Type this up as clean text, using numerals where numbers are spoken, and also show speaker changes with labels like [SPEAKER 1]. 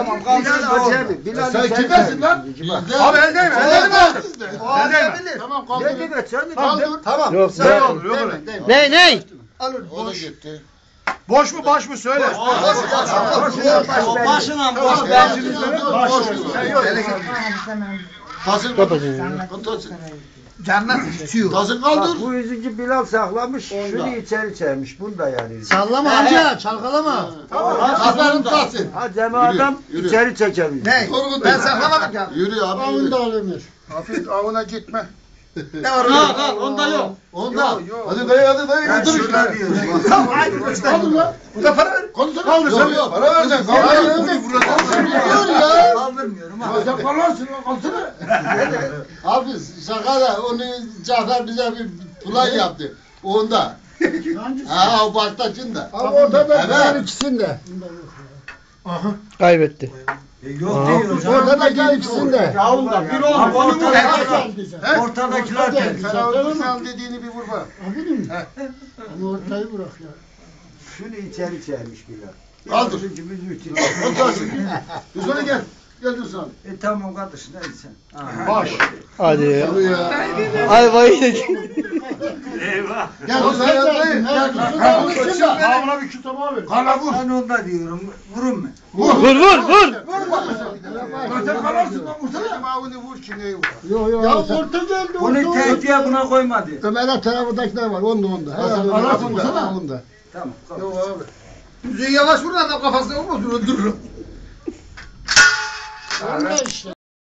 [SPEAKER 1] Tamam kaldır.
[SPEAKER 2] Bilal
[SPEAKER 3] Sen kimsin lan?
[SPEAKER 1] Abi eldeyim aldım.
[SPEAKER 2] Eldeyim.
[SPEAKER 3] Tamam
[SPEAKER 2] Ne demek sen de kaldır.
[SPEAKER 1] Tamam.
[SPEAKER 4] Yok,
[SPEAKER 1] Sen
[SPEAKER 4] yok.
[SPEAKER 1] olur yok.
[SPEAKER 4] Ne?
[SPEAKER 1] Alın
[SPEAKER 3] O da
[SPEAKER 1] boş.
[SPEAKER 3] gitti.
[SPEAKER 1] Boş mu baş mı söyle.
[SPEAKER 2] Başına boş.
[SPEAKER 3] Tasın
[SPEAKER 1] Cennet istiyor.
[SPEAKER 3] Tasın
[SPEAKER 2] Bak
[SPEAKER 3] kaldır.
[SPEAKER 2] bu yüzüncü Bilal saklamış, şunu içeri çekmiş. Bunu da yani.
[SPEAKER 5] Sallama amca, çalkalama.
[SPEAKER 3] Tasarım tasın.
[SPEAKER 2] Ha Cem adam
[SPEAKER 3] yürü.
[SPEAKER 2] içeri çekemiyor.
[SPEAKER 1] Ne? Ben saklamadım ya.
[SPEAKER 3] Yürü abi yürü.
[SPEAKER 1] Hafif avına gitme.
[SPEAKER 2] Ne var orada?
[SPEAKER 5] Onda yok.
[SPEAKER 3] Onda. Hadi dayı
[SPEAKER 2] Ben
[SPEAKER 3] götür
[SPEAKER 2] şurada
[SPEAKER 3] işte.
[SPEAKER 2] diyorum.
[SPEAKER 1] Tamam haydi işte. Bu da para ver.
[SPEAKER 3] Kaldır. Yok para vereceksin. Kaldır ya.
[SPEAKER 2] Kaldırmıyorum ha.
[SPEAKER 3] Sen kalırsın lan kalsana. Abi şaka da onu Cafer bize bir plan yaptı. Onda. Ha o baştakinde.
[SPEAKER 5] Abi ortada
[SPEAKER 3] Evet.
[SPEAKER 5] ikisinde.
[SPEAKER 4] Kaybetti.
[SPEAKER 2] Yok değil hocam.
[SPEAKER 5] Ortadaki ikisinde.
[SPEAKER 2] Yavrum bir oğlum. Ortadakiler geldi.
[SPEAKER 1] Sen al dediğini bir vur bak.
[SPEAKER 5] Ama ortayı bırak ya.
[SPEAKER 2] Şunu içeri çekmiş Bilal.
[SPEAKER 3] Kaldır.
[SPEAKER 2] Yüzüncümüzü içeri.
[SPEAKER 3] Otursun. Düzene gel. Gel Düzene.
[SPEAKER 2] Tamam kardeş neyse sen.
[SPEAKER 1] Baş.
[SPEAKER 4] Hadi ya.
[SPEAKER 3] Hadi ya.
[SPEAKER 4] Ay vay de.
[SPEAKER 3] Gel Düzene yanındayım. Gel Düzene.
[SPEAKER 1] Avına bir kütüp abi. Kala vur.
[SPEAKER 2] Ben onda diyorum. Vurun mu?
[SPEAKER 4] Vur.
[SPEAKER 1] Zaten kalarsın lan vursana. Bizim avını vur ki neyi vur.
[SPEAKER 5] Yok. Ya orta geldi.
[SPEAKER 2] Bunu tehdiye buna koymadı.
[SPEAKER 5] Ömer'e tarafındakiler var. Onda.
[SPEAKER 3] Alırsın,
[SPEAKER 5] Onda.
[SPEAKER 2] Tamam.
[SPEAKER 1] Yok abi. Düzüğü yavaş vur adam kafasına vurmasın öldürürüm.
[SPEAKER 5] Onda işte.